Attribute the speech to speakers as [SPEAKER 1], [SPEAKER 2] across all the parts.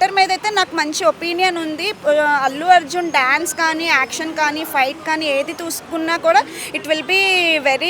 [SPEAKER 1] ఇద్దరి మీద అయితే నాకు మంచి ఒపీనియన్ ఉంది. అల్లు అర్జున్ డ్యాన్స్ కానీ, యాక్షన్ కానీ, ఫైట్ కానీ ఏది చూసుకున్నా కూడా ఇట్ విల్ బీ వెరీ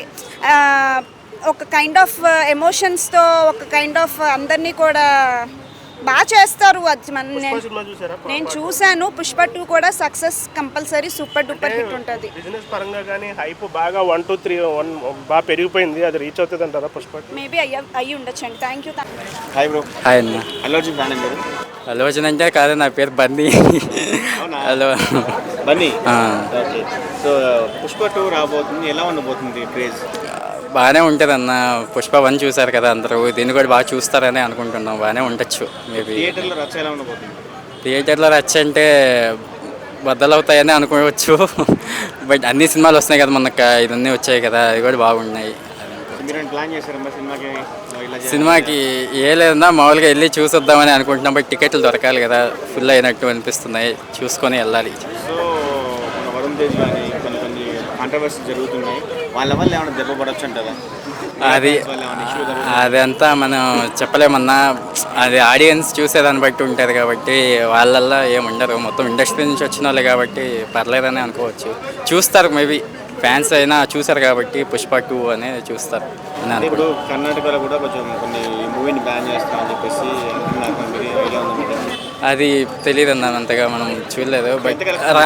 [SPEAKER 1] ఒక కైండ్ ఆఫ్ ఎమోషన్స్తో, ఒక కైండ్ ఆఫ్ అందరినీ కూడా బాగా చేస్తారు. అది నేను చూశాను. పుష్ప 2 కూడా success compulsory, super duper hit ఉంటుంది.
[SPEAKER 2] బిజినెస్ పరంగా కానీ హైప్ బాగా 1 2 3 బాగా పెరిగిపోయింది. అది రీచ్ అవుతుంది అంటారా పుష్ప?
[SPEAKER 1] మేబీ అయ్యి ఉండొచ్చండి. Thank you.
[SPEAKER 3] Hi bro.
[SPEAKER 4] Hi అన్న.
[SPEAKER 3] అల్లు అర్జున్ ఫ్యాన్ అండి.
[SPEAKER 4] అల్లు అర్జున్ అంటే కాదు, నా పేరు Bunny. Hello
[SPEAKER 3] Bunny. Okay. So Pushpa 2 రాబోతుంది, ఎలా ఉండబోతుంది క్రేజ్?
[SPEAKER 4] బాగానే ఉంటుంది అన్న. పుష్ప 1 చూసారు కదా అందరూ, దీన్ని కూడా బాగా చూస్తారని అనుకుంటున్నాం. బాగానే ఉండొచ్చు. మేబీ
[SPEAKER 3] థియేటర్లో రచ్చ ఎలా ఉండబోతుంది?
[SPEAKER 4] థియేటర్లో రచ్చ అంటే బద్దలవుతాయని అనుకోవచ్చు. బట్ అన్ని సినిమాలు వస్తున్నాయి కదా, మనకు ఇవన్నీ వచ్చాయి కదా, అవి కూడా బాగున్నాయి.
[SPEAKER 3] మీరు ప్లాన్ చేశారమ్మా
[SPEAKER 4] సినిమాకి? ఏ లేదన్నా, మామూలుగా వెళ్ళి చూసొద్దామని అనుకుంటున్నాం. బట్ టికెట్లు దొరకాలి కదా, ఫుల్ అయినట్టు అనిపిస్తున్నాయి. చూసుకొని వెళ్ళాలి.
[SPEAKER 3] సో మన వరుణ్ తేజ్ కానీ కొన్ని కాంట్రవర్సీ జరుగుతున్నాయి, వాళ్ళ వల్ల ఏమైనా దెబ్బ పడవచ్చు అంటారా?
[SPEAKER 4] అదంతా మనం చెప్పలేమన్నా. అది ఆడియన్స్ చూసేదాన్ని బట్టి ఉంటుంది కాబట్టి వాళ్ళల్లో ఏముండరు. మొత్తం ఇండస్ట్రీ నుంచి వచ్చిన వాళ్ళే కాబట్టి పర్లేదని అనుకోవచ్చు. చూస్తారు, మేబీ ఫ్యాన్స్ అయినా చూసారు కాబట్టి పుష్ప 2 అనేది చూస్తారు.
[SPEAKER 3] ఇప్పుడు కర్ణాటకలో కూడా కొంచెం కొన్ని మూవీని బ్యాన్ చేస్తామని చెప్పేసి
[SPEAKER 4] అది తెలియదు అన్న, అంతగా మనం చూడలేదు. బట్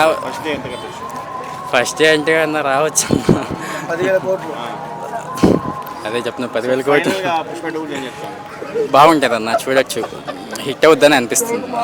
[SPEAKER 4] ఫస్ట్ డే అంటే అన్న రావచ్చు.
[SPEAKER 3] 10,000 కోట్లు.
[SPEAKER 4] అదే చెప్తున్నా, 10,000 కోట్లు బాగుంటుంది అన్న, చూడొచ్చు. హిట్ అవుద్దని అనిపిస్తుంది.